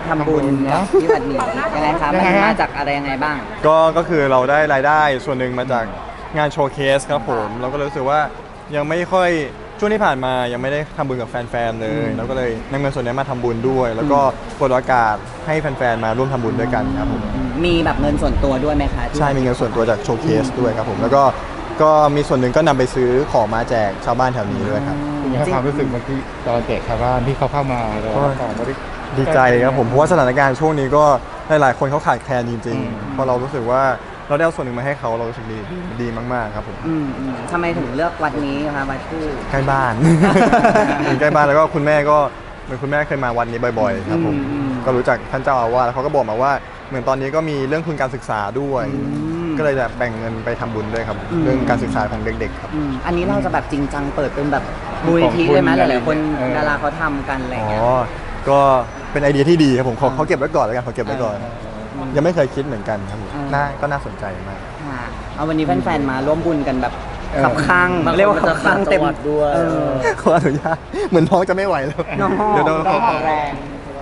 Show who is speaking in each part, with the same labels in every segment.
Speaker 1: ทำบุญกับที่วัดนี้ยังไงครับมันมาจากอะไรยังไงบ้าง
Speaker 2: ก็คือเราได้รายได้ส่วนหนึ่งมาจากงานโชว์เคสครับผมเราก็เลยรู้สึกว่ายังไม่ค่อยช่วงที่ผ่านมายังไม่ได้ทำบุญกับแฟนๆเลยเราก็เลยนำเงินส่วนนี้มาทำบุญด้วย แล้วก็เปิดโอกาสให้แฟนๆมาร่วมทำบุญด้วยกันครับผม
Speaker 1: มีแบบเงินส่วนตัวด้วยไหมคะ
Speaker 2: ใช่มีเงินส่วนตัวจากโชว์เคสด้วยครับผมแล้วก็มีส่วนหนึ่งก็นำไปซื้อของมาแจกชาวบ้านแถวนี้ด้วยครับ
Speaker 3: ความรู้สึกเมื่อกี้ตอนแจกชาวบ้านที่เขาเข้ามาแล้วของบริ
Speaker 2: ดีใจครับผมเพราะว่าสถานการณ์ช่วงนี้ก็หลายๆคนเขาขาดแคลนจริงๆพอเรารู้สึกว่าเราได้เอาส่วนหนึ่งมาให้เขาเรารู้สึกดีมากๆครับผม
Speaker 1: ทำไมถึงเลือกวัดนี้คะวัดชื่อ
Speaker 2: ใกล้บ้านใกล้บ้านแล้วก็คุณแม่ก็เหมือนคุณแม่เคยมาวัดนี้บ่อยๆครับผมก็รู้จักท่านเจ้าอาวาสแล้วเขาก็บอกมาว่าเหมือนตอนนี้ก็มีเรื่องทุนการศึกษาด้วยก็เลยจะแบ่งเงินไปทำบุญด้วยครับเรื่องการศึกษาของเด็กๆครับ
Speaker 1: อันนี้เราจะแบบจริงจังเปิดเป็นแบบมูลนิธิเลยไหมหลายๆคนดาราเขาทำกันอะไรอย่างเงี้ย
Speaker 2: ก็เป็นไอเดียที่ดีครับผมเขาเก็บไว้ก่อนแล้วกันเขาเก็บไว้ก่อนยังไม่เคยคิดเหมือนกันครับผมก็น่าสนใจมาก
Speaker 1: เอาวันนี้แฟนๆมาร่วมบุญกันแบบขับข้างเรียกว่าขับข้างเต็ม
Speaker 2: ด้วยขออนุญาตเหมือนท้องจะไม่ไหวแล้ว
Speaker 1: เดี๋ยวเราขอแรง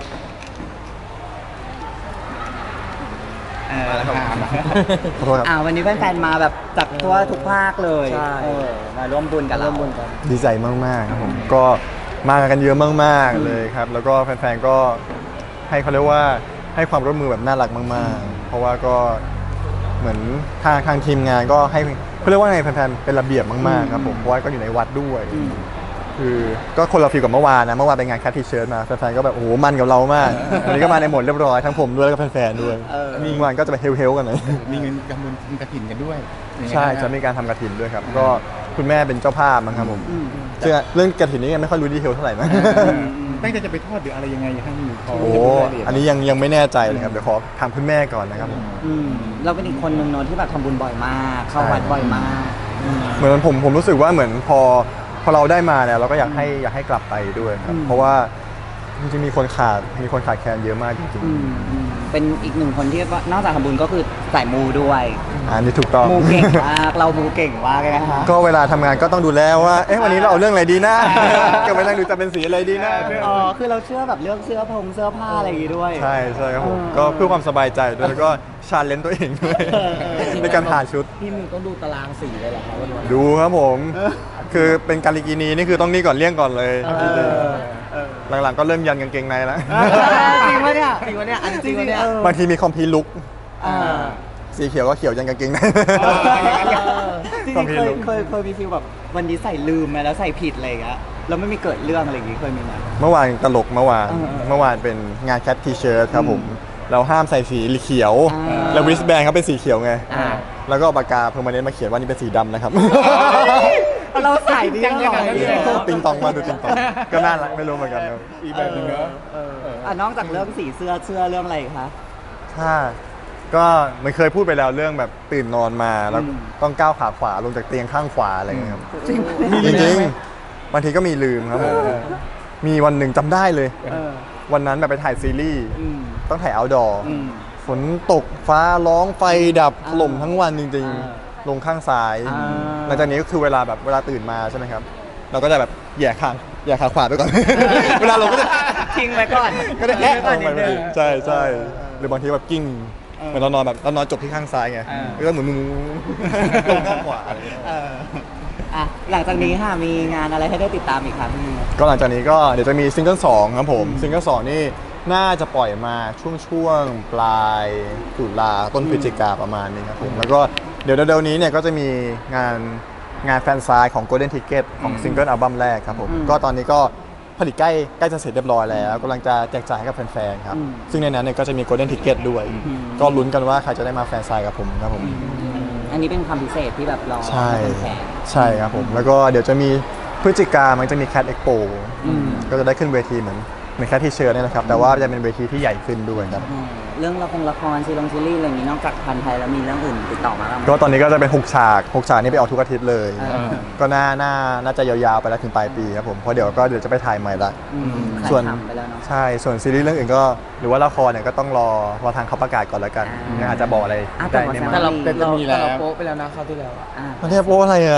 Speaker 1: วันนี้แฟนๆมาแบบจากทั่วทุกภาคเลยมาร่วมบุญกัน
Speaker 2: ดีใจมากๆครับผมก็มากันเยอะมากๆเลยครับแล้วก็แฟนๆก็ให้เขาเรียกว่าให้ความร่วมมือแบบน่ารักมากๆเพราะว่าก็เหมือนทางทีมงานก็ให้เขาเรียกว่าไงแฟนๆเป็นระเบียบมากๆครับผมเพราะว่าก็อยู่ในวัดด้วยคือก็คนละฟีลกับเมื่อวานนะเมื่อวานเป็นงานแคททีเชิร์ตมาแฟนๆก็แบบโอ้โหมันกับเรามากวันนี้ก็มาในโหมดเรียบร้อยทั้งผมด้วยแล้วก็แฟนๆด้วยเมื่อวานก็จะไปเฮลกันหน่อย
Speaker 3: มีเงินกำลังทำกฐินกันด้วย
Speaker 2: ใช่จะมีการทำกฐินด้วยครับก็คุณแม่เป็นเจ้าภาพมั้งครับผมซึ่งเรื่องกฐินนี้ยังไม่ค่อยรู้ดีเทลเท่าไหร่นะ
Speaker 3: ตั้งใจจะไปทอดหรืออะไรยังไงให้มี
Speaker 2: โอ้อันนี้ยังไม่แน่ใจเลยครับเดี๋ยวขอถามคุณแม่ก่อนนะครับ
Speaker 1: เราเป็นอีกคนหนึ่งเนอะที่แบบทำบุญบ่อยมากเข้าวัดบ่อยมาก
Speaker 2: เหมือนผมรู้สึกว่าเหมือนพอเราได้มาเนี่ยเราก็อยากให้กลับไปด้วยครับเพราะว่าจริงๆมีคนขาดแคลนเยอะมากจริง
Speaker 1: ๆเป็นอีกหนึ่งคนที่นอกจากทำบุญก็คือสายมูด้วย
Speaker 2: นี่ถูกต้อง
Speaker 1: มูเก่งมากเรามูเก่งมากเลยนะคะ
Speaker 2: ก็เวลาทำงานก็ต้องดูแลว่าวันนี้เราเอาเรื่องอะไรดีนะก็ไปนั่งดูจะเป็นสีอะไรดีนะ
Speaker 1: คือเราเชื่อแบบเรื่องเสื้อผ้าอะไรอย่างงี้ด้วย
Speaker 2: ใช่ครับผมก็เพื่อความสบายใจด้วยแล้วก็ชาเลนจ์ตัวเองด้วยในการหาชุด
Speaker 1: พี่มูต้องดูตารางสีเลยเหรอครับ
Speaker 2: ดูครับผมคือเป็นการิกินีนี่คือต้องนี่ก่อนเลี่ยงก่อนเลยหลังๆก็เริ่มยันกางเกงในแล้ว
Speaker 1: จริงปะเนี่ยอันจริงปะเนี่ย
Speaker 2: บางทีมีคอมพีลุกสีเขียวก็เขียวยันกางเกงใน
Speaker 1: จริงๆเคยมีฟีลแบบวันนี้ใส่ลืมไหมแล้วใส่ผิดอะไรอย่างเงี้ยแล้วไม่มีเกิดเรื่องอะไรอย่างงี้เคยมีไหม
Speaker 2: เมื่อวานตลกเมื่อวานเป็นงานแคททีเชิร์ตครับผมเราห้ามใส่สีเขียวแล้วริสแบนเขาเป็นสีเขียวไงแล้วก็ปากกาเพอร์มาเนนต์มาเขียนว่านี่เป็นสีดำนะครับ
Speaker 1: เราใส่ดีจังเลย
Speaker 2: ติงตองมาดูติงตองก็น่ารักไม่รู้เหมือนกัน
Speaker 3: อีกแบบนึงเน
Speaker 1: อะนอกจากเรื่องสีเสื้อเรื่องอะไรคะ
Speaker 2: ก็มันเคยพูดไปแล้วเรื่องแบบตื่นนอนมาแล้วต้องก้าวขาขวาลงจากเตียงข้างขวาอะไรอย่างเงี้ยครับจริงบางทีก็มีลืมครับผมมีวันหนึ่งจำได้เลยวันนั้นแบบไปถ่ายซีรีส์ต้องถ่ายเอาท์ดอร์ฝนตกฟ้าร้องไฟดับถล่มทั้งวันจริงๆลงข้างซ้ายหลังจากนี้ก็คือเวลาตื่นมาใช่ไหมครับเราก็จะแบบแย่ขาขวาไปก่อนเวลาเราก็จะ
Speaker 1: ทิ้งไว้ก่อน
Speaker 2: ก็จะแย่ลงไปใช่หรือบางทีแบบกิ้งเหมือนเรานอนจบที่ข้างซ้ายไงก็เหมือนลงข้างขวาอะไร
Speaker 1: หลังจากนี้ค่ะมีงานอะไรให้ได้ติดตามอีกครับ
Speaker 2: ก็หลังจากนี้ก็เดี๋ยวจะมีซิงเกิล2ครับผมซิงเกิล2นี่น่าจะปล่อยมาช่วงปลายตุลาต้นพฤศจิกาประมาณนี้ครับผมแล้วก็เดี๋ยวนี้เนี่ยก็จะมีงานแฟนซายของ Golden Ticket ของซิงเกิลอัลบั้มแรกครับผมก็ตอนนี้ก็ผลิตใกล้จะเสร็จเรียบร้อยแล้วกำลังจะแจกจ่ายให้กับแฟนๆครับซึ่งในนั้นเนี่ยก็จะมี Golden Ticket ด้วยก็ลุ้นกันว่าใครจะได้มาแฟนซายกับผมครับผม
Speaker 1: อันนี้เป็นความพิเศษที่แบบรอ
Speaker 2: ใช่ครับผมแล้วก็เดี๋ยวจะมีพฤศจิกามันจะมี Cat Expo ก็จะได้ขึ้นเวทีเหมือนแค่ที่เชิญนี่แหละครับแต่ว่าจะเป็นเวทีที่ใหญ่ขึ้นด้วยครับ
Speaker 1: เรื่องละครซีรีส์อะไรอย่างนี้นอกจากพันไทยแล้วมีเรื่องอื่นติดต่อมาบ้างไหม
Speaker 2: ก็ตอนนี้ก็จะเป็น6 ฉากนี่ไปออกทุกอาทิตย์เลยก็น่าจะยาวๆไปแล้วถึงปลายปีครับผมเพราะเดี๋ยวจะไปถ่ายใหม่ละส่วนใช่ส่วนซีรีส์เรื่องอื่นก็หรือว่าละครเนี่ยก็ต้องรอทางเขาประกาศก่อนแล้วกันอาจจะบอกอะไรได้
Speaker 1: แต่เราโป๊ะไปแล้วนะคราวที่แล้ว
Speaker 2: มันแทบโป๊ะอะไรอ่ะ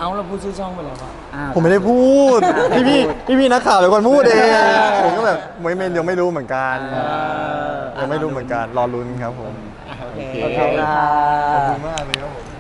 Speaker 4: เอาเราพูดชื่อช่องไปแล้วอะ
Speaker 2: ผมไม่ได้พูด พี่นักข่าวเป็นคนพูดเองผมก็แบบไม่ยังไม่รู้เหมือนกันยังไม่รู้เหมือนกันรอลุ้นครับผม
Speaker 1: โอเค
Speaker 2: ขอบคุณมากเลย